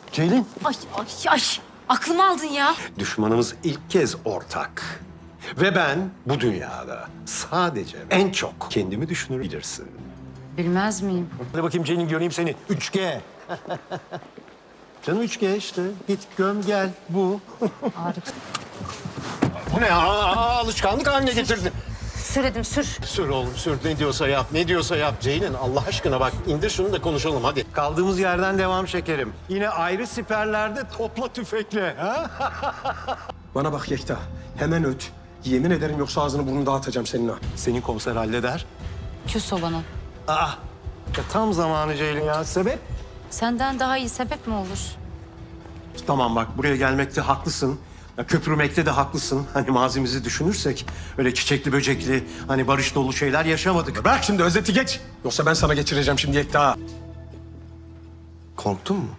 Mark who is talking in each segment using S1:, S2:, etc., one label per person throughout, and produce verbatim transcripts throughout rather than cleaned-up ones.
S1: Ceylin.
S2: Ay ay ay. Aklımı aldın ya.
S1: Düşmanımız ilk kez ortak. Ve ben bu dünyada sadece en çok kendimi düşünür bilirsin.
S2: Bilmez miyim?
S1: Hadi bakayım Ceylin, göreyim seni. üç G. Canım üç G işte. Git göm gel. Bu.
S2: Harika.
S1: Bu ne? Aa, alışkanlık haline getirdin.
S2: Süredim sür.
S1: Sür oğlum sür. Ne diyorsa yap. Ne diyorsa yap. Ceylin Allah aşkına bak, indir şunu da konuşalım hadi. Kaldığımız yerden devam şekerim. Yine ayrı siperlerde topla tüfekle. Ha?
S3: Bana bak Yekta. Hemen öt. Yemin ederim yoksa ağzını burnunu dağıtacağım senin ha.
S1: Senin komiser halleder.
S2: Küs o bana.
S1: Aa, ya tam zamanı Ceylin ya. Sebep?
S2: Senden daha iyi sebep mi olur?
S1: Tamam bak, buraya gelmekte haklısın. Ya, köprümekte de haklısın. Hani mazimizi düşünürsek öyle çiçekli böcekli, hani barış dolu şeyler yaşamadık.
S3: Bırak şimdi özeti geç. Yoksa ben sana geçireceğim şimdi Yekta.
S1: Korktun mu?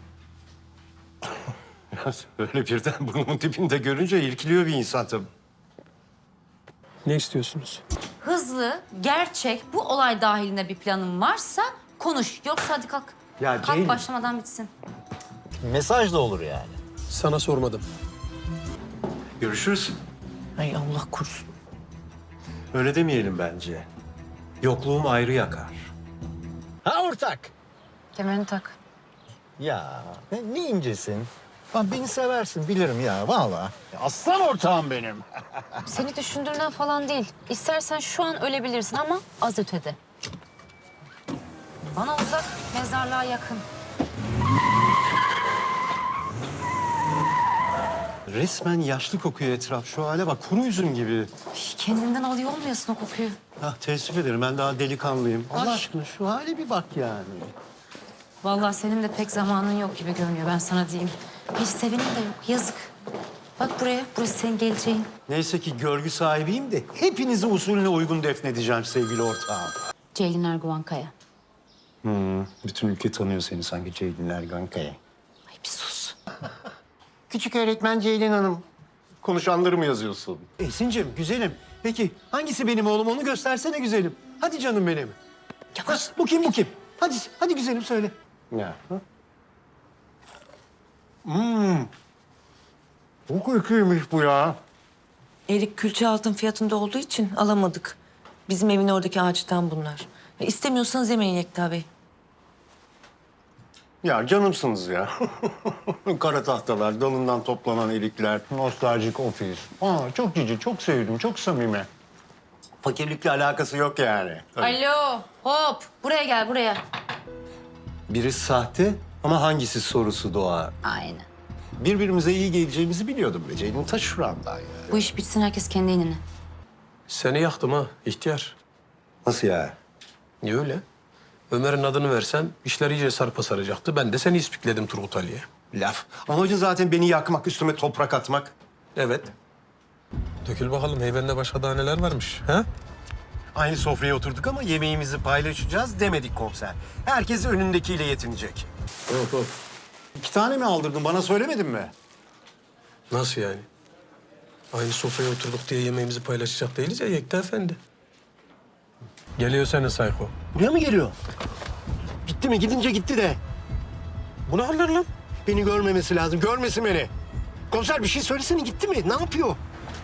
S1: Ya, öyle birden burnumun dibinde görünce irkiliyor bir insan tabii.
S3: Ne istiyorsunuz?
S2: Hızlı, gerçek, bu olay dahilinde bir planın varsa konuş. Yoksa hadi kalk.
S1: Ya
S2: kalk
S1: Ceylin.
S2: başlamadan bitsin.
S4: Mesaj da olur yani.
S3: Sana sormadım.
S1: Görüşürüz.
S4: Ay Allah korusun.
S1: Öyle demeyelim bence. Yokluğum ayrı yakar.
S4: Ha ortak.
S2: Kemerini tak.
S4: Ya ne, ne incesin. Lan beni seversin bilirim ya vallahi. Aslan ortağım benim.
S2: Seni düşündüğümden falan değil. İstersen şu an ölebilirsin ama az ötede. Bana uzak, mezarlığa yakın.
S1: Resmen yaşlı kokuyor etraf. Şu hale bak, kuru üzüm gibi.
S2: Ay, kendinden alıyor olmuyorsun o kokuyu.
S1: Ah, teessüf ederim, ben daha delikanlıyım. Allah
S2: Ay.
S1: aşkına şu hale bir bak yani.
S2: Vallahi senin de pek zamanın yok gibi görünüyor, ben sana diyeyim. Hiç sevenin de yok, yazık. Bak buraya, burası senin geleceğin.
S1: Neyse ki görgü sahibiyim de hepinizi usulüne uygun defnedeceğim sevgili ortağım.
S2: Ceylin Erguvan Kaya.
S1: Hmm, bütün ülke tanıyor seni sanki Ceylin Erguvan Kaya.
S2: Ay bir sus.
S1: Küçük öğretmen Ceylin Hanım. Konuşanları mı yazıyorsun? Esin'cim, güzelim. Peki hangisi benim oğlum, onu göstersene güzelim. Hadi canım benim.
S2: Yavaş.
S1: Ha, bu kim, bu kim? Hadi, hadi güzelim söyle. Ya. Ha? Hmm. Çok kötüymüş bu ya.
S5: Erik külçe altın fiyatında olduğu için alamadık. Bizim evin oradaki ağaçtan bunlar. E, İstemiyorsanız yemeyin Yekta Bey.
S1: Ya canımsınız ya. Kara tahtalar, dalından toplanan erikler, nostaljik ofis. Aa, çok cici, çok sevdim, çok samimi. Fakirlikle alakası yok yani.
S2: Alo, hop. Buraya gel, buraya.
S1: Biri sahte ama hangisi sorusu doğar.
S2: Aynen.
S1: Birbirimize iyi geleceğimizi biliyordum be Ceylin, ta şuramdan ya.
S2: Bu iş bitsin, herkes kendi inine.
S3: Seni yaktım ha ihtiyar.
S1: Nasıl ya?
S3: Niye öyle? Ömer'in adını versem işler iyice sarpa saracaktı. Ben de seni ispikledim Turgut Ali'ye.
S1: Laf. Amacın zaten beni yakmak, üstüme toprak atmak.
S3: Evet. Dökül bakalım heybende başka daha neler varmış ha?
S1: Aynı sofraya oturduk ama yemeğimizi paylaşacağız demedik komiser. Herkes önündekiyle yetinecek.
S3: Hop hop.
S1: İki tane mi aldırdın, bana söylemedin mi?
S3: Nasıl yani? Aynı sofraya oturduk diye yemeğimizi paylaşacak değiliz ya Yekta Efendi. Geliyor senin sayko.
S1: Buraya mı geliyor? Gitti mi? Gidince gitti de.
S3: Bu ne haller lan?
S1: Beni görmemesi lazım. Görmesin beni. Komiser bir şey söylesene, gitti mi? Ne yapıyor?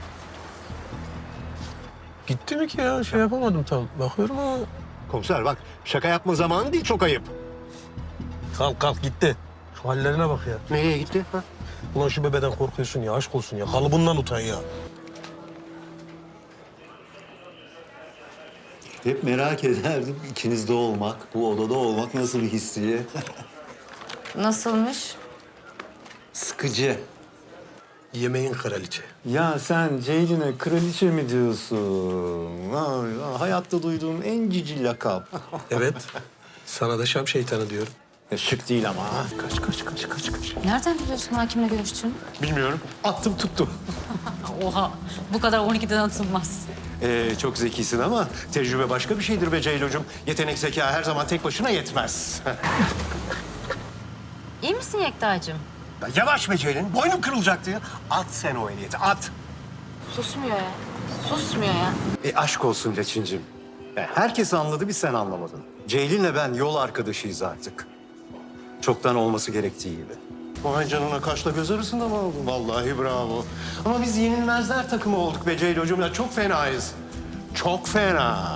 S3: Gitti mi ki ya? Şey yapamadım tam. Bakıyorum ama...
S1: Komiser bak, şaka yapma zamanı değil, çok ayıp.
S3: Kalk kalk gitti. Şu hallerine bak ya.
S1: Nereye gitti? Ha?
S3: Ulan şu bebeden korkuyorsun ya, aşk olsun ya. Kalıbından utan ya.
S4: Hep merak ederdim ikinizde olmak, bu odada olmak nasıl bir his diye.
S2: Nasılmış?
S4: Sıkıcı.
S3: Yemeğin kraliçe.
S1: Ya sen Ceylin'e kraliçe mi diyorsun? Ay, hayatta duyduğum en cici lakap.
S3: Evet. Sana da Şam şeytanı diyorum.
S1: Ya, şık değil ama. Ha. Kaç, kaç, kaç, kaç, kaç.
S2: Nereden biliyorsun hakimle görüştüğünü?
S1: Bilmiyorum. Attım tuttum.
S2: Oha, bu kadar on ikiden atılmaz.
S1: Ee, çok zekisin ama tecrübe başka bir şeydir be Ceylocuğum. Yetenek, zeka her zaman tek başına yetmez.
S2: İyi misin Yekta'cığım?
S1: Ya yavaş be Ceylin, boynum kırılacaktı ya. At sen o ehliyeti, at.
S2: Susmuyor ya. Susmuyor ya.
S1: E aşk olsun Leçincim. Ya, herkes anladı, bir sen anlamadın. Ceylin'le ben yol arkadaşıyız artık. Çoktan olması gerektiği gibi. Vay canına, kaşla göz arasında mı aldın? Vallahi bravo. Ama biz yenilmezler takımı olduk be Ceylocuğum ya. Çok fenayız. Çok fena.